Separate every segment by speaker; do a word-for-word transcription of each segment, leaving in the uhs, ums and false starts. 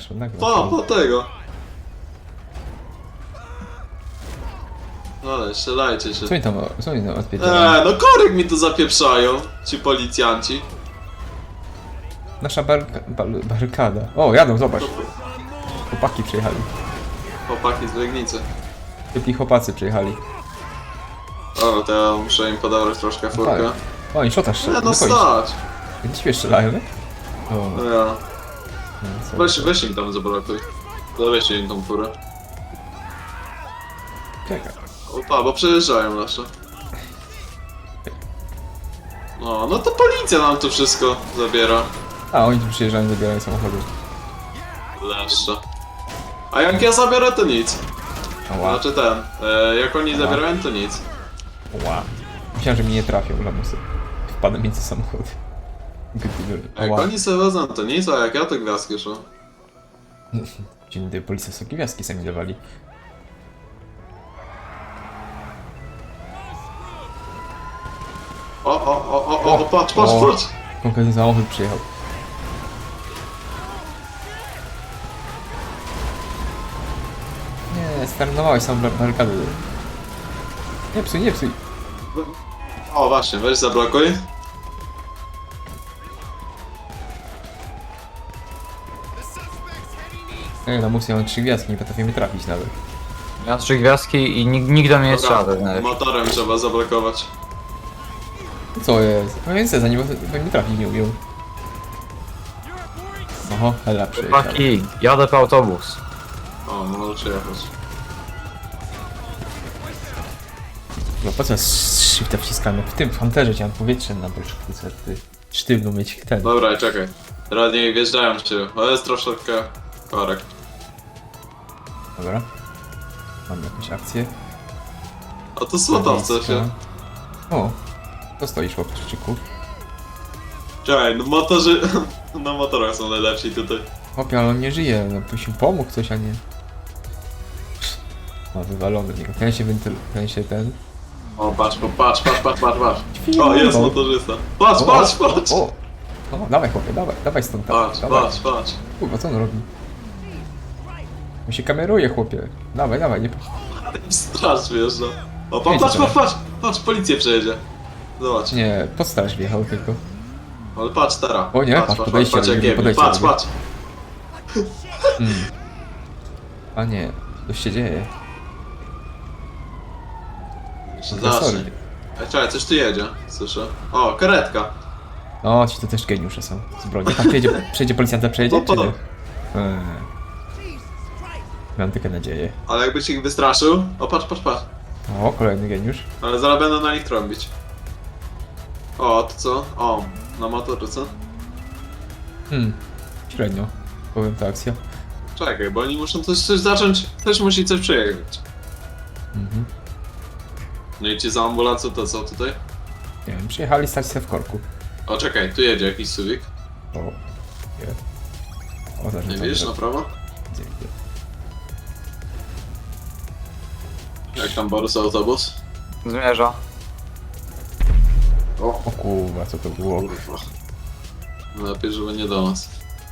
Speaker 1: masz, nagle.
Speaker 2: Pa, po tego. Ale strzelajcie się.
Speaker 1: Co oni tam, co oni tam odpierdalają?
Speaker 2: Eee, no korek mi tu zapieprzają, ci policjanci.
Speaker 1: Nasza barka, bar, barykada. O, jadą, zobacz. Chłopaki przyjechali.
Speaker 2: Chłopaki z Legnicy.
Speaker 1: Typli chłopacy przyjechali.
Speaker 2: O, to ja muszę im podawać troszkę furkę.
Speaker 1: Tak. O, i szota
Speaker 2: Nie
Speaker 1: strzela.
Speaker 2: no stać.
Speaker 1: Gdzie ciebie strzelają, nie? O,
Speaker 2: No ja.
Speaker 1: no, co
Speaker 2: Weź,
Speaker 1: to?
Speaker 2: weź im tam zablokuj. Zaweźcie im tą furę.
Speaker 1: Czekaj.
Speaker 2: Opa, bo przejeżdżają nasze. No, no to policja nam tu wszystko zabiera.
Speaker 1: A, oni tu przyjeżdżają, zabierają samochody.
Speaker 2: Leszcze. A jak ja zabiorę, to nic.
Speaker 1: Ła,
Speaker 2: Znaczy ten, e, jak oni zabierają, to nic.
Speaker 1: ła. Myślałem, że mnie nie trafią, lamusy. Wpadłem między samochody. Gdy-
Speaker 2: Jak
Speaker 1: Ła.
Speaker 2: oni sobie wezmą, to nic, a jak ja to gwiazdki szło.
Speaker 1: Dzień dobry, policja sobie gwiazdki sami dawali.
Speaker 2: O, o, o, o, o, o, patrz, patrz,
Speaker 1: O.
Speaker 2: patrz!
Speaker 1: Konkretny samochód przyjechał. Nie, starnowałeś sam bar- barykady. Nie psuj, nie psuj.
Speaker 2: O, właśnie, weź zablokuj.
Speaker 1: Ej, na musie mam trzy gwiazdki, nie potrafię mnie trafić nawet.
Speaker 3: Ja mam trzy gwiazdki i nikt, nikt do mnie nie strzela. tak nawet.
Speaker 2: motorem trzeba zablokować.
Speaker 1: Co jest? No więc za nim bo mnie trafić nie umiał. Oho, hela przyjechał.
Speaker 3: Chłopaki, jadę po autobus.
Speaker 2: O, możecie jechać.
Speaker 1: No po co z shifta wciskamy? W tym w Hunterze chciałem powietrze na bolszewce, ty sztywno mieć ten.
Speaker 2: Dobra, czekaj. Teraz nie wjeżdżają cię. O, jest troszeczkę korek.
Speaker 1: Dobra. Mam jakąś akcję.
Speaker 2: A to słotowce się.
Speaker 1: O, to stoisz chłopczyku.
Speaker 2: Czekaj, no motorzy... Na motorach są najlepsi tutaj.
Speaker 1: Chłopie, ale on nie żyje, no by się pomógł coś, a nie... No, wywalony w niego. Ten się wentyl... ten się ten...
Speaker 2: O, patrz, po- patrz, patrz, patrz, patrz, patrz. O, jest motorzysta. Patrz,
Speaker 1: O,
Speaker 2: patrz,
Speaker 1: o,
Speaker 2: patrz!
Speaker 1: O, o, dawaj chłopie, dawaj, dawaj stąd.
Speaker 2: Patrz,
Speaker 1: dawaj.
Speaker 2: patrz, patrz.
Speaker 1: Kurwa, co on robi? On się kameruje, chłopie. Dawaj, dawaj, nie...
Speaker 2: Straż wjeżdża. O, pa,
Speaker 1: Jedź
Speaker 2: patrz,
Speaker 1: teraz.
Speaker 2: patrz, patrz! Patrz, policję przejedzie. Zobacz.
Speaker 1: Nie, pod straż wjechał tylko.
Speaker 2: Ale patrz teraz.
Speaker 1: O nie,
Speaker 2: patrz,
Speaker 1: patrz,
Speaker 2: patrz,
Speaker 1: podejście
Speaker 2: patrz,
Speaker 1: robi,
Speaker 2: jak jebie.
Speaker 1: podejście
Speaker 2: Patrz,
Speaker 1: robi.
Speaker 2: patrz.
Speaker 1: Hmm. A nie, coś się dzieje.
Speaker 2: Zacznij.
Speaker 1: Sorry.
Speaker 2: Ej, czekaj, coś tu jedzie, słyszę. O, karetka.
Speaker 1: O, ci to też geniusze są z broni. Tam przejedzie, przejedzie policjanta, przejedzie,
Speaker 2: No to-
Speaker 1: czy nie? Eee. Mam tylko nadzieję.
Speaker 2: Ale jakbyś ich wystraszył... O, patrz, patrz, patrz.
Speaker 1: O, kolejny geniusz.
Speaker 2: Ale zaraz będą na nich trąbić. O, to co? O, na motorze.
Speaker 1: Hmm, średnio. Powiem ta akcja.
Speaker 2: Czekaj, bo oni muszą coś, coś zacząć... Też musi coś przejechać.
Speaker 1: Mhm.
Speaker 2: No i ci za ambulancją to co tutaj?
Speaker 1: Nie wiem, przyjechali stać se w korku.
Speaker 2: O, czekaj, tu jedzie jakiś suwik.
Speaker 1: O, nie. O, zaraz.
Speaker 2: Nie widzisz, na prawo?
Speaker 1: Gdzie, gdzie?
Speaker 2: Jak tam Borys autobus?
Speaker 3: Zmierza.
Speaker 2: O,
Speaker 1: O kurwa, co to było?
Speaker 2: kurwa. Lepiej, żeby nie do nas.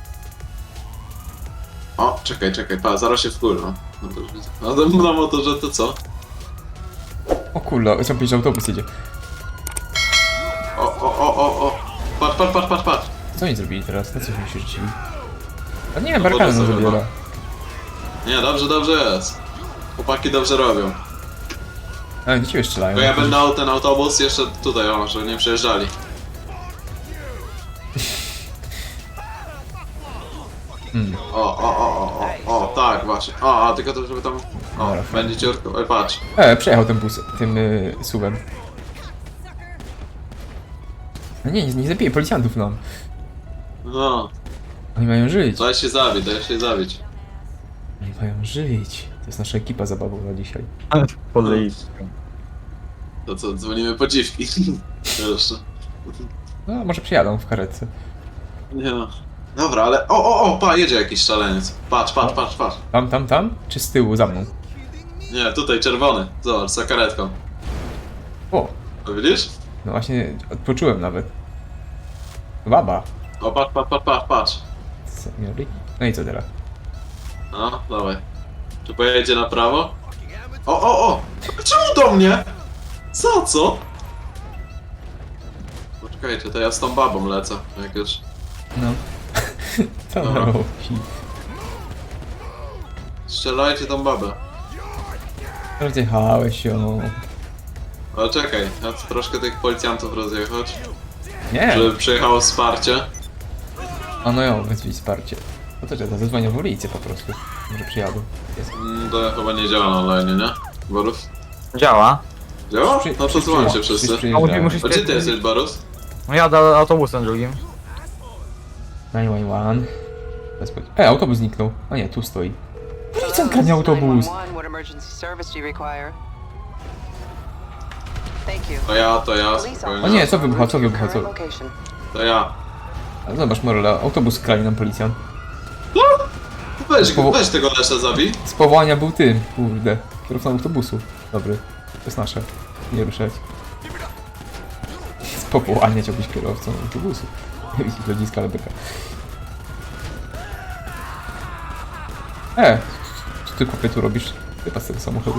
Speaker 2: O, czekaj, czekaj, pa, zaraz się wkurwa. No to już widzę. A ten na motorze to co?
Speaker 1: O kurwa, chciałem powiedzieć, że autobus jedzie.
Speaker 2: O, o, o, o, o. Patrz, patrz, patrz, patrz, patrz.
Speaker 1: Co oni zrobili teraz? Na co oni się rzucili? A nie,
Speaker 2: No
Speaker 1: barykady
Speaker 2: wodę
Speaker 1: nam
Speaker 2: sobie,
Speaker 1: zabiera.
Speaker 2: Nie, dobrze, dobrze jest. Chłopaki dobrze robią.
Speaker 1: A, do ciebie strzelają.
Speaker 2: Bo ja będę dał ten autobus jeszcze tutaj, o, żeby nie przejeżdżali.
Speaker 1: Hmm.
Speaker 2: O, o, o, o, o, o, tak, właśnie. O, a tylko to, żeby tam... O,
Speaker 1: Dobra.
Speaker 2: będzie ciurko. Oj, patrz.
Speaker 1: E, przejechał ten bus, tym y, suwem. No nie, nie, nie zabije policjantów nam.
Speaker 2: No,
Speaker 1: Oni mają żyć.
Speaker 2: daj się zabić, daj się zabić.
Speaker 1: Oni mają żyć. To jest nasza ekipa zabawowa dzisiaj.
Speaker 3: Policja.
Speaker 2: To co, dzwonimy po dziwki. Jeszcze.
Speaker 1: No, może przyjadą w karetce.
Speaker 2: Nie no. Dobra, ale... O, o, o, pa, jedzie jakiś szaleniec. Patrz, patrz, patrz, patrz.
Speaker 1: Tam, tam, tam? Czy z tyłu, za mną?
Speaker 2: Nie, tutaj czerwony. Zobacz, za karetką.
Speaker 1: O,
Speaker 2: To widzisz?
Speaker 1: no właśnie, odpoczułem nawet. Baba.
Speaker 2: O, patrz, patrz, patrz, patrz, patrz.
Speaker 1: Seniori. No i co teraz?
Speaker 2: No, dawaj. Czy pojedzie na prawo? O, o, o! Czemu do mnie? Za co? Poczekajcie, to ja z tą babą lecę, jak już.
Speaker 1: No. Co on
Speaker 2: Dobra.
Speaker 1: robi?
Speaker 2: Strzelajcie tą babę.
Speaker 1: Rozjechałeś ją.
Speaker 2: Ale czekaj, ja chcę troszkę tych policjantów rozjechać,
Speaker 1: Nie!
Speaker 2: żeby przyjechało wsparcie.
Speaker 1: A no ją, wezwij wsparcie. No to czekaj, zadzwonię w policję po prostu. Może przyjadą. Jest.
Speaker 2: Mm, To chyba nie działa na online, nie? Borus?
Speaker 3: Działa.
Speaker 2: Działa?
Speaker 1: Przy-
Speaker 2: No to
Speaker 1: przy-
Speaker 2: dzwońcie
Speaker 1: przy-
Speaker 2: wszyscy.
Speaker 1: przy-
Speaker 3: A musi,
Speaker 1: przyjeżdżają.
Speaker 3: musi
Speaker 2: A gdzie ty jesteś, Borus?
Speaker 3: No jadę autobusem drugim.
Speaker 1: dziewięć jeden jeden. Bez po- E, autobus zniknął. A nie, tu stoi. Policjant kradnie autobus.
Speaker 4: What emergency service do you require? Thank you.
Speaker 2: To ja, to ja,
Speaker 4: Police
Speaker 2: spokojnie.
Speaker 1: O nie, co wybucha, co wybucha, co?
Speaker 4: Current location.
Speaker 2: To ja.
Speaker 1: Ale zobacz, Morela, autobus kradnie nam policjant.
Speaker 2: Weź,
Speaker 1: Po-
Speaker 2: weź tego Lesza zabij.
Speaker 1: Z powołania był tym, kurde. Kierowcą autobusu. Dobry. To jest nasze. Nie ruszać. Z powołania chciałbyś kierowcą autobusu. Nie widzisz lodziska, ale beka. E! Co ty kopie tu robisz? Ty z tego samochodu.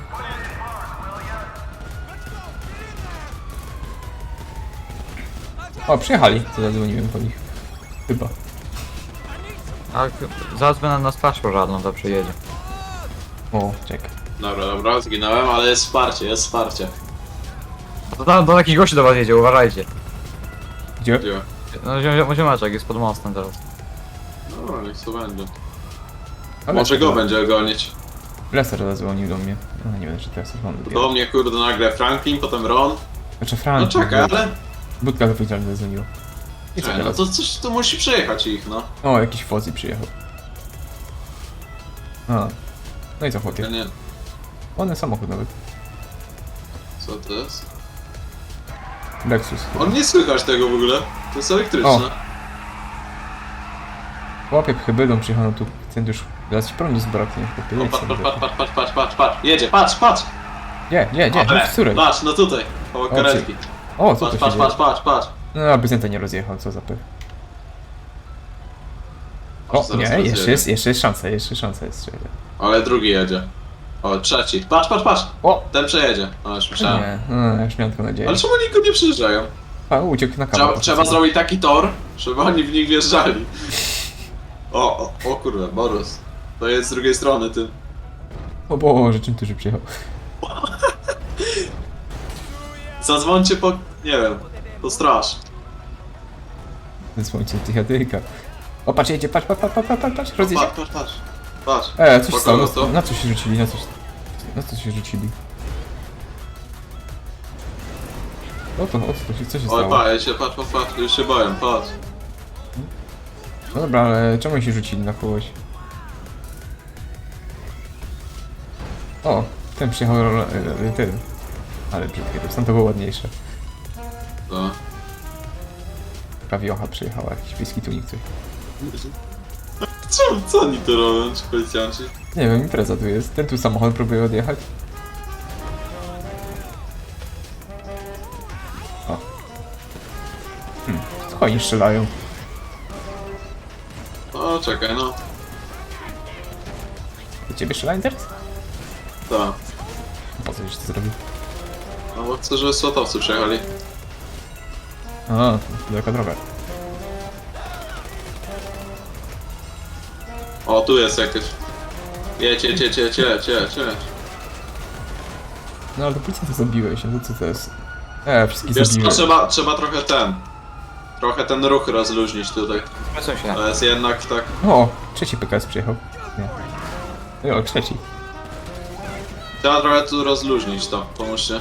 Speaker 1: O, przyjechali. To zadzwoniłem po nich. Chyba.
Speaker 3: A zadzwoń na, na straż pożarną, to przyjedzie.
Speaker 1: O, czekaj.
Speaker 2: Dobra, dobra, zginąłem, ale jest wsparcie, jest wsparcie.
Speaker 3: To tam do takich gości do was jedzie, uważajcie.
Speaker 1: Gdzie?
Speaker 2: Gdzie?
Speaker 3: No ziom- ziomeczek jest pod mostem teraz.
Speaker 2: Dobra, niech to będzie.
Speaker 1: Ale
Speaker 2: Może go będzie gonić.
Speaker 1: Lester zadzwonił do mnie. No nie wiem, czy teraz jest on.
Speaker 2: Do mnie kurde nagle Franklin, potem Ron.
Speaker 1: Znaczy
Speaker 2: No
Speaker 1: Frank.
Speaker 2: czekaj, ale...
Speaker 1: Budka wypowiedzialna zadzwoniła. I co
Speaker 2: Czekaj, no
Speaker 1: teraz?
Speaker 2: to coś tu musi przejechać ich, no.
Speaker 1: O, jakiś Fozzy przyjechał. A. No i co
Speaker 2: Ja
Speaker 1: chłopie?
Speaker 2: nie...
Speaker 1: Ładny samochód nawet.
Speaker 2: Co to jest?
Speaker 1: Lexus.
Speaker 2: On nie słychać tego w ogóle. To jest elektryczne.
Speaker 1: O. Chłopie hybrydą przyjechał, no tu ten już... Teraz ci prądu zbraknie, chłopie.
Speaker 2: O,
Speaker 1: jedź
Speaker 2: patrz,
Speaker 1: sobie.
Speaker 2: patrz, patrz, patrz, patrz, patrz, patrz. Jedzie, patrz, patrz!
Speaker 1: Nie, nie, nie,
Speaker 2: Ale,
Speaker 1: no w której?
Speaker 2: patrz, no tutaj, koło karetki.
Speaker 1: O, co
Speaker 2: Patrz,
Speaker 1: tu się
Speaker 2: patrz,
Speaker 1: dzieje?
Speaker 2: patrz, patrz, patrz.
Speaker 1: No, a Byzanta nie rozjechał, co za pech.
Speaker 2: Aż
Speaker 1: O,
Speaker 2: zaraz
Speaker 1: nie,
Speaker 2: rozjedzie.
Speaker 1: jeszcze jest, jeszcze jest szansa, jeszcze szansa jest. Czekaj.
Speaker 2: Ale drugi jedzie. O, trzeci. Patrz, patrz, patrz!
Speaker 1: O!
Speaker 2: Ten przejedzie. O, już myślałem.
Speaker 1: Nie, no, już miałem tylko nadzieję.
Speaker 2: Ale czemu oni go nie przyjeżdżają?
Speaker 1: A, uciekł na kawę.
Speaker 2: Trzeba,
Speaker 1: po
Speaker 2: trzeba
Speaker 1: prostu.
Speaker 2: zrobić taki tor, żeby oni w nich wjeżdżali. O, o, o kurwa, Borus. To jest z drugiej strony, ty.
Speaker 1: O Boże, czym ty że przyjechał?
Speaker 2: Zadzwońcie po, nie wiem, po straż.
Speaker 1: Wysłońcie psychiatryka. O, patrz, jedzie, patrz, patrz, patrz, patrz, patrz, patrz, rozjedzie.
Speaker 2: Patrz, patrz, patrz. Patrz.
Speaker 1: E, coś
Speaker 2: Spoko,
Speaker 1: stało,
Speaker 2: no
Speaker 1: na,
Speaker 2: to.
Speaker 1: na co się rzucili, na coś... Na co się rzucili? O to, o co, to się, co się
Speaker 2: Oj,
Speaker 1: stało?
Speaker 2: pa, ja się, patrz, patrz, patrz, już się boję, patrz.
Speaker 1: No dobra, ale czemu oni się rzucili na kogoś? O, ten przyjechał, ro- e, e, ten. Ale brzydkie, to tam to było ładniejsze.
Speaker 2: No.
Speaker 1: Prawiocha przyjechała, jakiś wiejski tunik coś.
Speaker 2: Co, co oni tu robią, ci policjanci?
Speaker 1: Nie wiem, impreza tu jest. Ten tu samochód próbuje odjechać. O. Hmm, co oni strzelają?
Speaker 2: O, czekaj, no.
Speaker 1: Do ciebie strzelają teraz?
Speaker 2: Tak.
Speaker 1: Po co już to zrobił?
Speaker 2: No bo chcę, żeby słotowcy przejechali.
Speaker 1: A, daleka droga.
Speaker 2: O, tu jest jakieś. Jedź, jedź, jedź, jedź, jedź, jedź, jedź.
Speaker 1: No ale to policjanta zabiłeś, no to co to jest? E, wszystkich
Speaker 2: Wiesz co,
Speaker 1: zabiłem.
Speaker 2: trzeba, trzeba trochę ten... Trochę ten ruch rozluźnić tutaj.
Speaker 3: Przesuń się.
Speaker 2: To jest jednak tak...
Speaker 1: O, trzeci P K S przyjechał. Nie. O, trzeci.
Speaker 2: Trzeba trochę tu rozluźnić to, pomóżcie.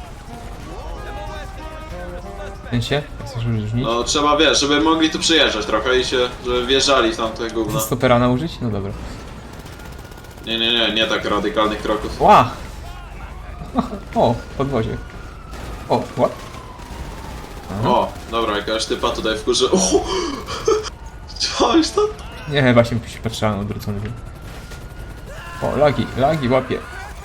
Speaker 1: Ten się? Chcesz różnić?
Speaker 2: No trzeba, wiesz, żeby mogli tu przyjeżdżać trochę i się, żeby wjeżdżali w tamte gówno.
Speaker 1: Chcesz stopera nałożyć? No dobra.
Speaker 2: Nie, nie, nie, nie tak radykalnych kroków.
Speaker 1: Ła! O, podwozie. O, what?
Speaker 2: O, dobra, jakaś typa tutaj wkurzy. O! Widziałeś to?
Speaker 1: Nie, właśnie się patrzałem odwrócony. O, lagi, lagi łapie.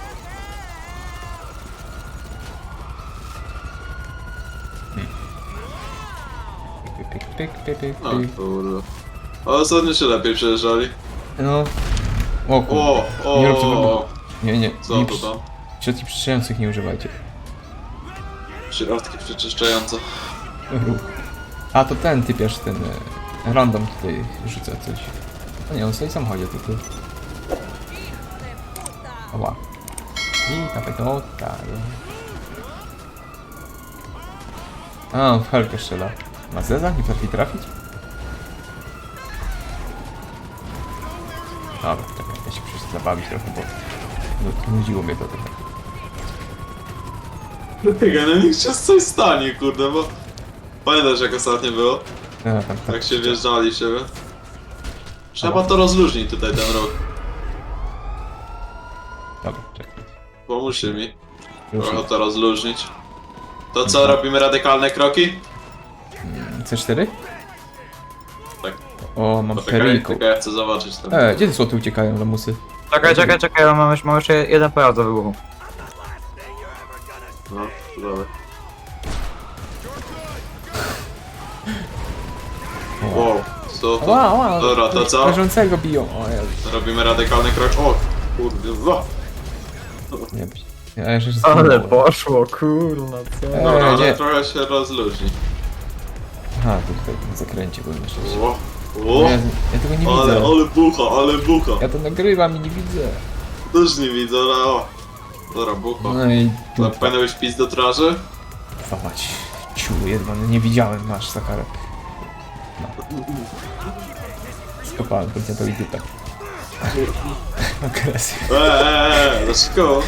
Speaker 1: Hmm. Pyk, pyk, pyk, pyk, pyk,
Speaker 2: No
Speaker 1: pyk.
Speaker 2: kurwa. A ostatnio się lepiej przejeżdżali.
Speaker 1: No, O kurde.
Speaker 2: O, o,
Speaker 1: Nie róbcie
Speaker 2: o,
Speaker 1: wybuchu.
Speaker 2: o.
Speaker 1: Nie, nie.
Speaker 2: Co
Speaker 1: nie
Speaker 2: to
Speaker 1: przy-
Speaker 2: tam?
Speaker 1: Środki przyczyniających nie używajcie.
Speaker 2: Środki przeczyszczające.
Speaker 1: A to ten typiarz, ten e, random tutaj rzuca coś. No nie, on sobie sam chodzi tylko. Oła. I ta petotka. A, on w helkę strzela. Ma zeza? Nie potrafi trafić? Dobra, czekaj, ja się przecież zabawić trochę, bo no, nudziło mnie to trochę.
Speaker 2: Dlatego, no niech się coś stanie, kurde, bo... Pamiętasz jak ostatnio było?
Speaker 1: A, tam, tam,
Speaker 2: Jak się wjeżdżali w siebie? Trzeba to rozluźnić tutaj ten rok.
Speaker 1: Dobra, czekaj.
Speaker 2: Pomóżcie mi.
Speaker 1: Już
Speaker 2: Trochę to rozluźnić. To co, robimy radykalne kroki?
Speaker 1: C cztery?
Speaker 2: Tak.
Speaker 1: O, mam
Speaker 2: Poczekaj,
Speaker 1: periku.
Speaker 2: tylko ja chcę zobaczyć tam.
Speaker 1: E, gdzie te słoty uciekają, lamusy?
Speaker 3: Czekaj, czekaj, czekaj, ja mam, jeszcze- mam jeszcze jeden pojazd do wybuchu.
Speaker 2: No, to dobra. Wow, co to?
Speaker 1: Ła, ła,
Speaker 2: Dobra, to co?
Speaker 1: leżącego biją, o Jezu.
Speaker 2: Robimy radykalny krok. O, kurde, wa.
Speaker 1: Nie, ja jeszcze
Speaker 3: Ale poszło, kurna, co?
Speaker 1: E,
Speaker 2: Dobra, ale
Speaker 1: nie.
Speaker 2: trochę się rozluźni.
Speaker 1: Aha, to tutaj na zakręcie byłem jeszcze.
Speaker 2: O, o,
Speaker 1: Ja, ja tego nie
Speaker 2: ale,
Speaker 1: widzę.
Speaker 2: ale bucha, ale bucha.
Speaker 1: Ja to nagrywam i nie widzę.
Speaker 2: Też nie widzę, ale o. Dobra, bucha.
Speaker 1: No i
Speaker 2: To
Speaker 1: dupa.
Speaker 2: powinno być pis do traży?
Speaker 1: Fałać. Ciu, jedno, nie widziałem, masz za karę. No. Skopałem policjantowi dupę. Agresja.
Speaker 2: Eee, eee, dlaczego?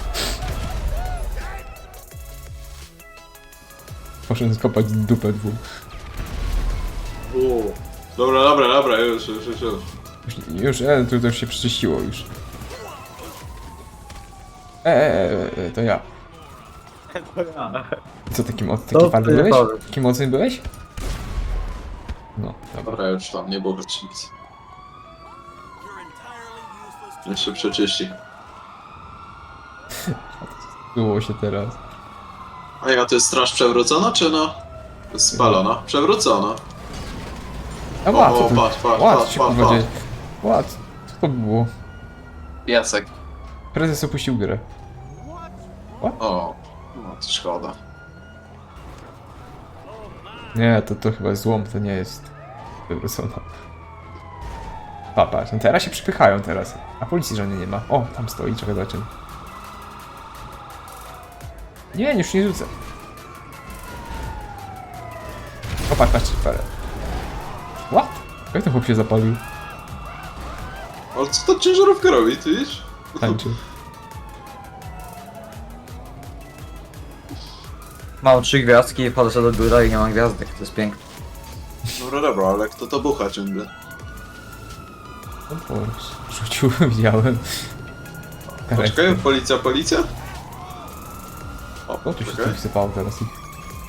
Speaker 1: Poszedłem skopać dupę dwóm.
Speaker 2: O. Dobra, dobra, dobra, już, już, już, już.
Speaker 1: Już, już e, to, to już się przeczyściło już. E, e, e, e, to ja. Co taki moc, taki
Speaker 3: To
Speaker 1: fajny
Speaker 3: ty
Speaker 1: byłeś?
Speaker 3: powiedz.
Speaker 1: Taki mocny byłeś? No, dobra.
Speaker 2: Dobra, już tam, nie było nic. Jeszcze przeczyści.
Speaker 1: Było się teraz.
Speaker 2: A ja to jest straż przewrócona, czy no? To jest spalona. Przewrócona.
Speaker 1: A
Speaker 2: O,
Speaker 1: ład,
Speaker 2: o,
Speaker 1: co tu?
Speaker 2: patrz, patrz,
Speaker 1: Ład
Speaker 2: patrz,
Speaker 1: się
Speaker 2: patrz,
Speaker 1: kurwa
Speaker 2: patrz.
Speaker 1: dzieje. Ład, co to było?
Speaker 2: Jacek.
Speaker 1: Prezes opuścił grę.
Speaker 2: O, no to szkoda.
Speaker 1: Nie, to, to chyba złom, to nie jest wywrócona. Papa, no teraz się przypychają teraz. A policji żadnej nie ma. O, tam stoi, czekaj, zobaczymy. Nie, już nie rzucę. O, patrz, patrz, parę. What? Jak ten chłop się zapalił?
Speaker 2: Ale co ta ciężarówka robi, ty widzisz?
Speaker 1: Tańczy.
Speaker 3: Mam trzy gwiazdki i wchodzę sobie do biura i nie mam gwiazdek, to jest piękne.
Speaker 2: Dobra, dobra, ale kto to bucha ciągle?
Speaker 1: No bo rzucił, widziałem.
Speaker 2: Poczekaj, policja, policja? O,
Speaker 1: O, tu się
Speaker 2: poczekaj.
Speaker 1: coś wsypało teraz ich.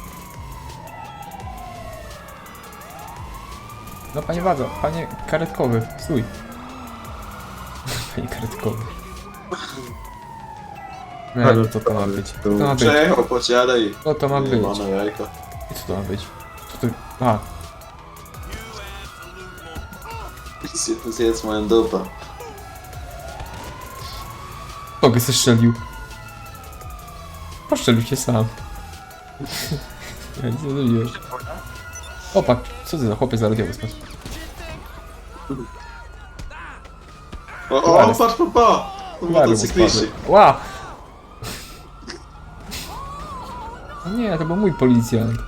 Speaker 1: No panie Wadzo, panie karetkowy, stój. Panie karetkowy. Nie, no co to ma być? Co to ma być?
Speaker 2: Przejechał po ciele i...
Speaker 1: Co to ma być?
Speaker 2: Jebane jajko.
Speaker 1: I co to ma być? Co to... A,
Speaker 2: Zjedz, zjedz moją dupę.
Speaker 1: Kogo zestrzelił? Poszczelił się sam. Ja nic nie zrobiłem. Opak, co ty za chłopiec za radiowy spadł?
Speaker 2: O, o,
Speaker 1: Zaraz.
Speaker 2: patrz, patrz, patrz! Motocykliści.
Speaker 1: Ła! O nie, to był mój policjant.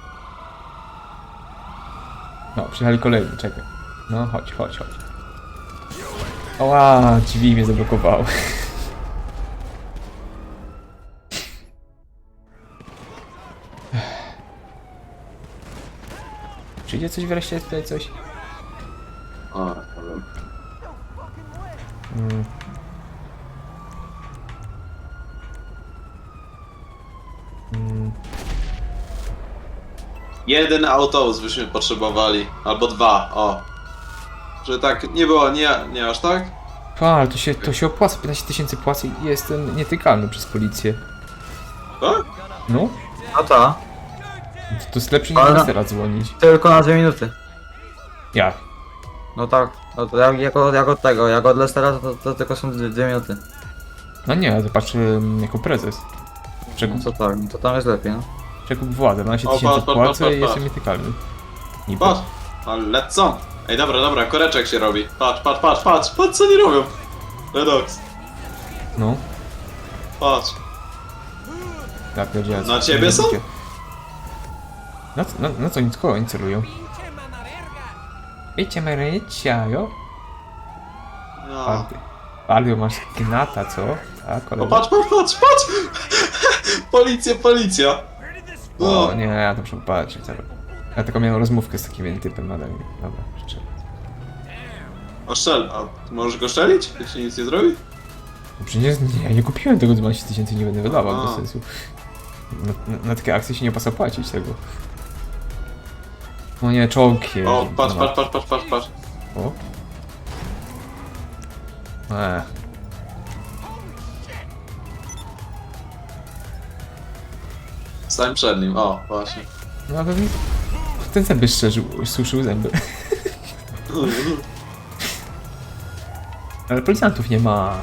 Speaker 1: No, przyjechali kolejni, czekaj. No, chodź, chodź, chodź. Ła, drzwi mnie zablokowały. Przyjdzie coś wreszcie tutaj, coś?
Speaker 2: A, nie wiem.
Speaker 1: Mm. Mm.
Speaker 2: Jeden autobus byśmy potrzebowali, albo dwa, o. Że tak nie było, nie, nie aż tak?
Speaker 1: A, ale to się, to się opłaca, piętnaście tysięcy płacę i jestem nietykalny przez policję.
Speaker 2: Tak?
Speaker 1: No,
Speaker 3: No to,
Speaker 1: to, to jest lepsze niż
Speaker 3: Ale-
Speaker 1: teraz dzwonić.
Speaker 3: tylko na dwie minuty.
Speaker 1: Jak?
Speaker 3: No tak, no to jak, jak, od, jak od tego, jak od Lestera to, to tylko są dwie, dwie minuty.
Speaker 1: No nie, to patrz ym, jako prezes.
Speaker 3: No
Speaker 1: Przekup,
Speaker 3: co tak, no to tam jest lepiej, no.
Speaker 1: przekup władzę, dwanaście
Speaker 2: O,
Speaker 1: tysięcy
Speaker 2: patrz, patrz,
Speaker 1: płacę
Speaker 2: patrz,
Speaker 1: i
Speaker 2: patrz.
Speaker 1: jestem nietykalny. Niby.
Speaker 2: Patrz, ale lecą. Ej, dobra, dobra, koreczek się robi. Patrz, patrz, patrz, patrz, patrz co oni robią. Redox,
Speaker 1: No,
Speaker 2: patrz.
Speaker 1: ja pierdzielę.
Speaker 2: Na ciebie są?
Speaker 1: Na, co- na, na co oni tylko oni celują? Wiecie, Marycia, jo?
Speaker 2: No.
Speaker 1: Party. Palio, masz gnata, co? Tak,
Speaker 2: O,
Speaker 1: kolega?
Speaker 2: patrz, patrz, patrz, patrz! Policja, policja!
Speaker 1: O
Speaker 2: No.
Speaker 1: nie, ja to muszę patrzeć teraz. Ja tylko miałem rozmówkę z takim jednym typem nadal. Dobra, życzę.
Speaker 2: O, strzel, a ty możesz go szczelić? Jak się nic nie zrobi?
Speaker 1: No przecież nie, ja nie kupiłem tego dwanaście tysięcy, nie będę wydawał,
Speaker 2: Aha.
Speaker 1: bez sensu. Na, na, na takie akcje się nie opłaca płacić tego. O nie, czołg jeździ.
Speaker 2: O, patrz,
Speaker 1: no.
Speaker 2: patrz, patrz, patrz, patrz, patrz.
Speaker 1: O. Eee.
Speaker 2: Stań przed nim, o, właśnie.
Speaker 1: No ale ten zęby szczerzył, suszył zęby. Ale policjantów nie ma.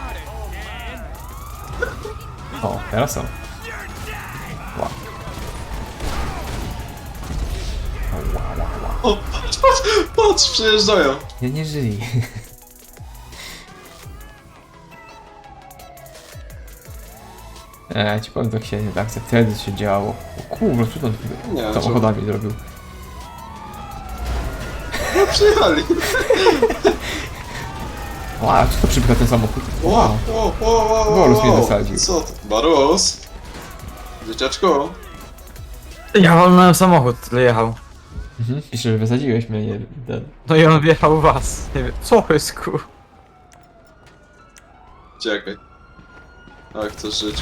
Speaker 1: O, teraz są. Ła. O, ła, ła, ła.
Speaker 2: O, patrz, patrz, patrz, przyjeżdżają.
Speaker 1: Ja nie żyję. Eee, ci powiem, tak się nie tak wtedy się działo. O kurwa, co to
Speaker 2: Nie,
Speaker 1: to
Speaker 2: co?
Speaker 1: samochodami zrobił?
Speaker 2: No, przyjechali.
Speaker 1: Ła, co to przybyka ten samochód?
Speaker 2: O,
Speaker 1: Wow.
Speaker 2: o, o, o, o,
Speaker 1: Borus mnie
Speaker 2: o.
Speaker 1: zasadził.
Speaker 2: Co to? Barus? Dzieciaczku?
Speaker 3: Ja walnąłem samochód, tyle jechał.
Speaker 1: Mhm, pisze, że wysadziłeś mnie, nie ten.
Speaker 3: No i on wjechał w was. Nie wiem, co jest ku...
Speaker 2: Czekaj. Jak chcesz żyć?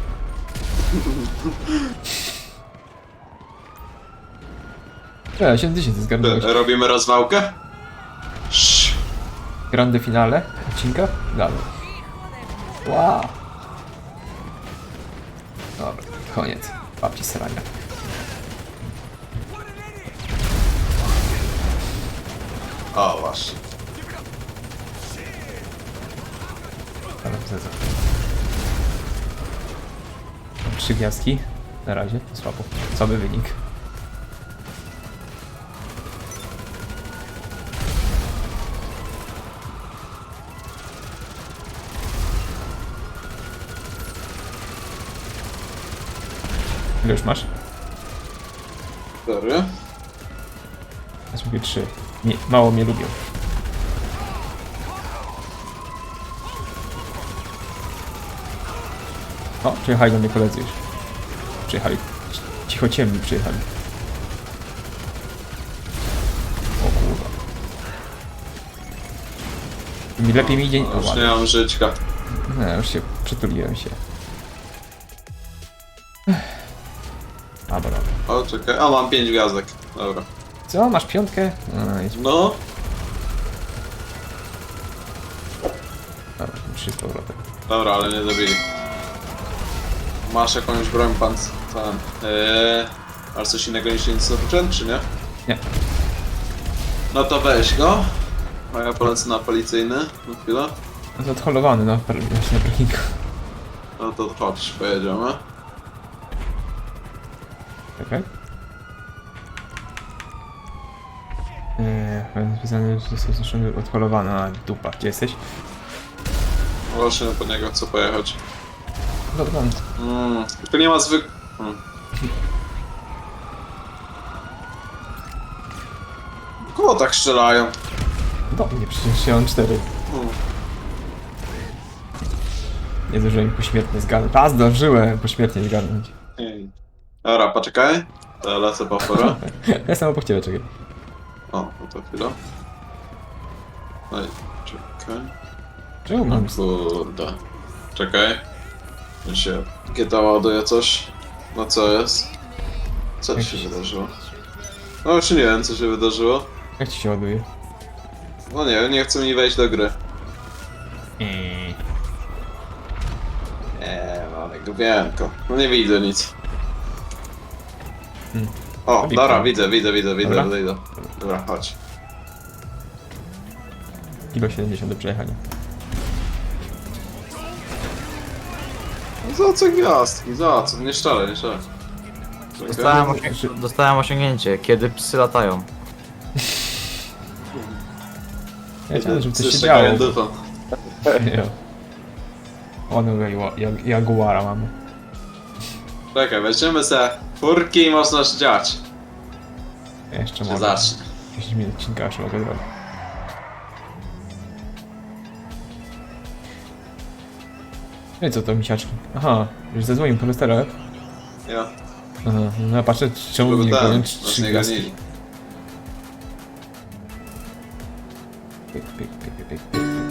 Speaker 1: E, siedem tysięcy zgarnąłeś.
Speaker 2: Robimy rozwałkę? Sz.
Speaker 1: Grande finale odcinka? Dalej. Wow. Dobra, koniec. Babci srania.
Speaker 2: O, właśnie.
Speaker 1: Dobra, zezę. Trzy gwiazdki. Na razie, to słabo. Słaby wynik. Ile już masz?
Speaker 2: Cztery.
Speaker 1: Ja mówię trzy. Nie, mało mnie lubią. O, przyjechali do mnie koledzy już. Przyjechali. Cicho ciemni przyjechali. O kurwa. Mi lepiej mi idzie... O,
Speaker 2: Już nie
Speaker 1: ładnie.
Speaker 2: mam żyćka.
Speaker 1: No, już się przytuliłem się. A, dobra.
Speaker 2: O, czekaj. A, mam pięć gwiazdek. Dobra.
Speaker 1: Co? Masz piątkę? No, idź.
Speaker 2: No.
Speaker 1: Dobra, trzy z powrotem.
Speaker 2: Dobra, ale nie zabili. Masz jakąś broń pan... Ten... Eee... Masz coś innego niż insurgent, czy nie?
Speaker 1: Nie.
Speaker 2: No to weź go. A ja polecę na policyjny. Na chwilę.
Speaker 1: No to odholowany na, par- właśnie na parkingu.
Speaker 2: No to chodź, pojedziemy.
Speaker 1: Czekaj. Eee, wpisany, że został zniszczony, odholowany. A, dupa. Gdzie jesteś?
Speaker 2: Właśnie po niego chcę pojechać.
Speaker 1: Dobra,
Speaker 2: Mm, tylko nie ma zwyk... Hmm. Kogo tak strzelają?
Speaker 1: do mnie przecież ja mam cztery.
Speaker 2: Hmm.
Speaker 1: Nie zdążyłem ich pośmiertnie zgarnąć. A, zdążyłem pośmiertnie zgarnąć.
Speaker 2: Ej. Dobra, poczekaj. To ja lecę po porę.
Speaker 1: Ja jestem obok ciebie, czekaj.
Speaker 2: O, no to chwilę. Ej, czekaj.
Speaker 1: Czemu mam...
Speaker 2: Kurde. Czekaj. Mi się G T A ładuje coś. No co jest? Co ci się wydarzyło? No już nie wiem co się wydarzyło.
Speaker 1: Jak ci się ładuje?
Speaker 2: No nie, nie chce mi wejść do gry.
Speaker 1: Eee.
Speaker 2: Nie, ale grubienko. No nie widzę nic.
Speaker 1: Hmm.
Speaker 2: O,
Speaker 1: Robi
Speaker 2: dobra,
Speaker 1: pan.
Speaker 2: widzę, widzę, widzę, widzę,
Speaker 1: Dobra.
Speaker 2: widzę. Dobra, chodź.
Speaker 1: Kilo siedemdziesiąt do przejechania.
Speaker 2: No za co gwiazdki, za co? Nie szczerze, nie szczerze.
Speaker 3: Dostałem, osiąg dostałem osiągnięcie, kiedy psy latają.
Speaker 1: Ja chciałem, żeby coś się
Speaker 2: Psy
Speaker 1: działo.
Speaker 2: czekają dupą.
Speaker 1: Jo. Onego jag Jaguara mamy.
Speaker 2: Czekaj, weźmiemy se furki i można się dziać.
Speaker 1: Ja jeszcze
Speaker 2: Czy
Speaker 1: mogę.
Speaker 2: zacznie.
Speaker 1: dziesięć minut odcinka jeszcze mogę zrobić. No i co to, misiaczki? Aha, już zadzwonił po lusterach.
Speaker 2: Ja,
Speaker 1: Aha, no ja patrzę, czemu
Speaker 2: żeby
Speaker 1: nie
Speaker 2: ten,
Speaker 1: powiem
Speaker 2: nas
Speaker 1: trzy
Speaker 2: nie
Speaker 1: gwiazdki.
Speaker 2: ganili.
Speaker 1: Pyk, pyk, pyk, pyk, pyk, pyk.